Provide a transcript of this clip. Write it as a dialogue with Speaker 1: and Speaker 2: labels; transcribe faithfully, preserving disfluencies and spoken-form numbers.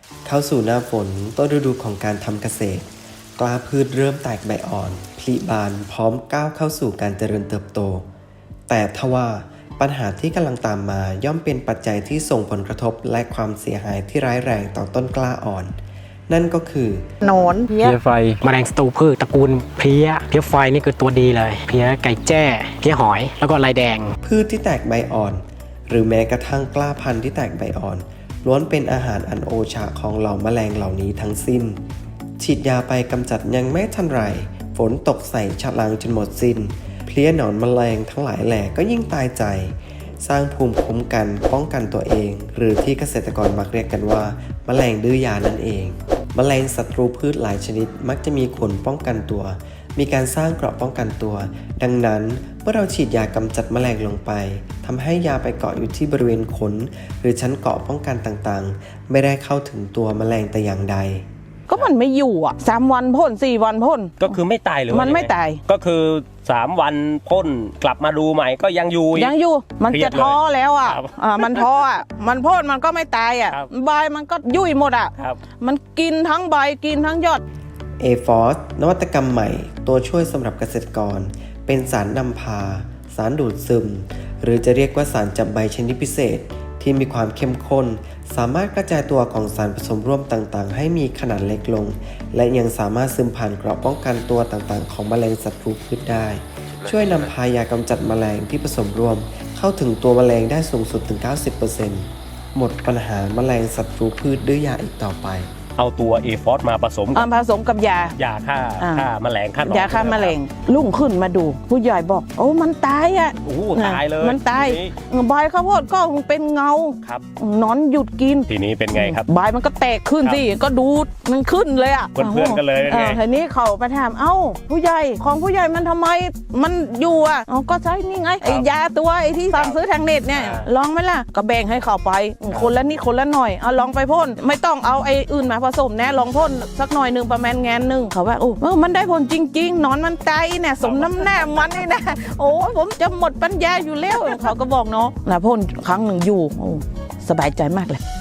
Speaker 1: เข้าสู่หน้าฝนต้นฤดูของการทำเกษตรกล้าพืชเริ่มแตกใบอ่อนผลิบานพร้อมก้าวเข้าสู่การเจริญเติบโตแต่ทว่าปัญหาที่กำลังตามมาย่อมเป็นปัจจัยที่ส่งผลกระทบและความเสียหายที่ร้ายแรงต่อต้นกล้าอ่อนนั่นก็คือ
Speaker 2: หนอนเพี้ยไฟแมลงศัตรูพืชตระกูลเพี้ยเพี้ยไฟนี่คือตัวดีเลยเพี้ยไก่แจ้เพี้ยหอยแล้วก็ลายแดง
Speaker 1: พืชที่แตกใบอ่อนหรือแม้กระทั่งกล้าพันธุ์ที่แตกใบอ่อนล้วนเป็นอาหารอันโอชะของเหล่าแมลงเหล่านี้ทั้งสิ้นฉีดยาไปกำจัดยังไม่ทันไรฝนตกใส่ฉลังจนหมดสิ้นเพลี้ยหนอนแมลงทั้งหลายแหล่ก็ยิ่งตายใจสร้างภูมิคุ้มกันป้องกันตัวเองหรือที่เกษตรกรมักเรียกกันว่าแมลงดื้อยานั่นเองแมลงศัตรูพืชหลายชนิดมักจะมีขนป้องกันตัวมีการสร้างเกราะป้องกันตัวดังนั้นเมื่อเราฉีดยากำจัดแมลงลงไปทำให้ยาไปเกาะอยู่ที่บริเวณขนหรือชั้นเกราะป้องกันต่างๆไม่ได้เข้าถึงตัวแมลงแต่อย่างใด
Speaker 3: ก็มันไม่อยู่อ่ะสามวันพ่นสี่วันพ่น
Speaker 4: ก็คือไม่ตายหรือ
Speaker 3: มันไม่ตาย
Speaker 4: ก็คือสามวันพ่นกลับมาดูใหม่ก็ยังอยู่
Speaker 3: ยังอยู่มันจะท้อแล้วอ่ะอ่ามันท้ออ่ะมันพ่นมันก็ไม่ตายอ่ะใบมันก็ยุ่ยหมดอ่ะมันกินทั้งใบกินทั้งยอด
Speaker 1: เอ ฟอส นวัตกรรมใหม่ตัวช่วยสำหรับเกษตรกรเป็นสารนำพาสารดูดซึมหรือจะเรียกว่าสารจับใบชนิดพิเศษที่มีความเข้มข้นสามารถกระจายตัวของสารผสมร่วมต่างๆให้มีขนาดเล็กลงและยังสามารถซึมผ่านเกราะป้องกันตัวต่างๆของแมลงศัตรูพืชได้ช่วยนำพายากำจัดแมลงที่ผสมร่วมเข้าถึงตัวแมลงได้สูงสุดถึง เก้าสิบเปอร์เซ็นต์ หมดปัญหาแมลงศัตรูพืชด้วยยาอีกต่อไป
Speaker 4: เอาตัว เอ ฟอส มาผสม
Speaker 3: กับผสมกับยา
Speaker 4: ยาฆ่าฆ่าแมลงฆ่าหนอน
Speaker 3: ยาฆ่าแมลงลุ่งขึ้นมาดูผู้ใหญ่บอกโอ้มันตายอ่ะ
Speaker 4: โอ้ตายเลย
Speaker 3: มันตายใบข้าวโพดก็เป็นเงา
Speaker 4: ครับ
Speaker 3: นอนหยุดกิน
Speaker 4: ทีนี้เป็นไงครับ
Speaker 3: ใบมันก็แตกขึ้นสิก็ดูมันขึ้นเลยอ่ะ
Speaker 4: เพื่อนๆกันเลยไง
Speaker 3: ทีนี้เขาไปถามเอ้าผู้ใหญ่ของผู้ใหญ่มันทำไมมันอยู่อ่ะก็ใช้นี่ไงไอ้ยาตัวไอ้ที่สั่งซื้อทางเน็ตเนี่ยลองไหมล่ะก็แบ่งให้เขาไปคนละนิดคนละหน่อยเอาลองไปพ่นไม่ต้องเอาไอ้อื่นมาผสมแน่ลองพ่นสักหน่อยหนึ่งประมาณแงนหนึ่งเขาว่าโอ้มันได้ผลจริงๆนอนมันตายเนี่ยสมน้ำหน้ามันนี่นะโอ้ผมจะหมดปัญญาอยู่แล้วเขาก็บอกเนาะนะพ่นครั้งหนึ่งอยู่โอ้สบายใจมากเลย